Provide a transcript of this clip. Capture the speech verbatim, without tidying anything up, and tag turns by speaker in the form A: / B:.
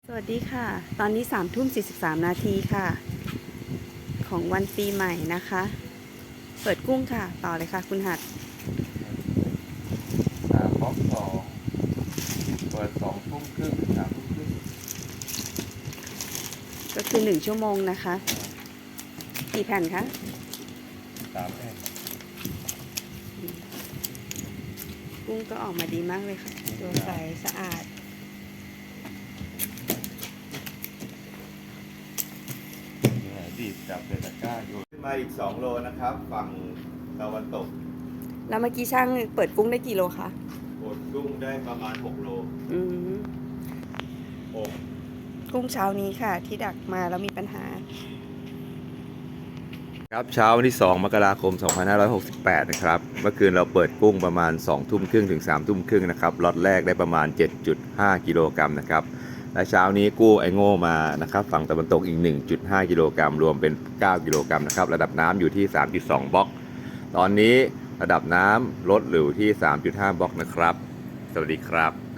A: สวัสดีค่ะ ตอนนี้สามทุ่มสี่สิบสามนาทีค่ะ ของวันปีใหม่นะคะ เปิดกุ้งค่ะ ต่อเลยค่ะคุณหัด
B: สามบล็อกสองเปิดสองทุ่มครึ่งถึงสามทุ่มครึ่ง
A: ก็คือหนึ่งชั่วโมงนะคะ กี่แผ่นคะ
B: สามแผ่น
A: กุ้งก็ออกมาดีมากเลยค่ะ ตัวใสสะอาด
B: เนี่ยดีดจับเดตะกร้าโยนขึ้นมาอีกสองโลนะครับ ฝั่งตะวันตก
A: แล้วเมื่อกี้ช่างเปิดกุ้งได้กี่โลคะ
B: กดกุ้งได้ประมาณหกโล
A: อืม
B: หก
A: กุ้งเช้านี้ค่ะ ที่ดักมาแล้วมีปัญหา
B: ครับเช้าวันที่สองมกราคมสองพันห้าร้อยหกสิบแปดนะครับเมื่อคืนเราเปิดกุ้งประมาณสองทุ่มครึ่งถึงสามทุ่มครึ่งนะครับล็อตแรกได้ประมาณ เจ็ดจุดห้า กิโลกรัมนะครับและเช้านี้กู้ไอโง่มานะครับฝั่งตะวันตกอีก หนึ่งจุดห้า กิโลกรัมรวมเป็นเก้ากิโลกรัมนะครับระดับน้ำอยู่ที่ สามจุดสอง บล็อกตอนนี้ระดับน้ำลดเหลือที่ สามจุดห้า บล็อกนะครับสวัสดีครับ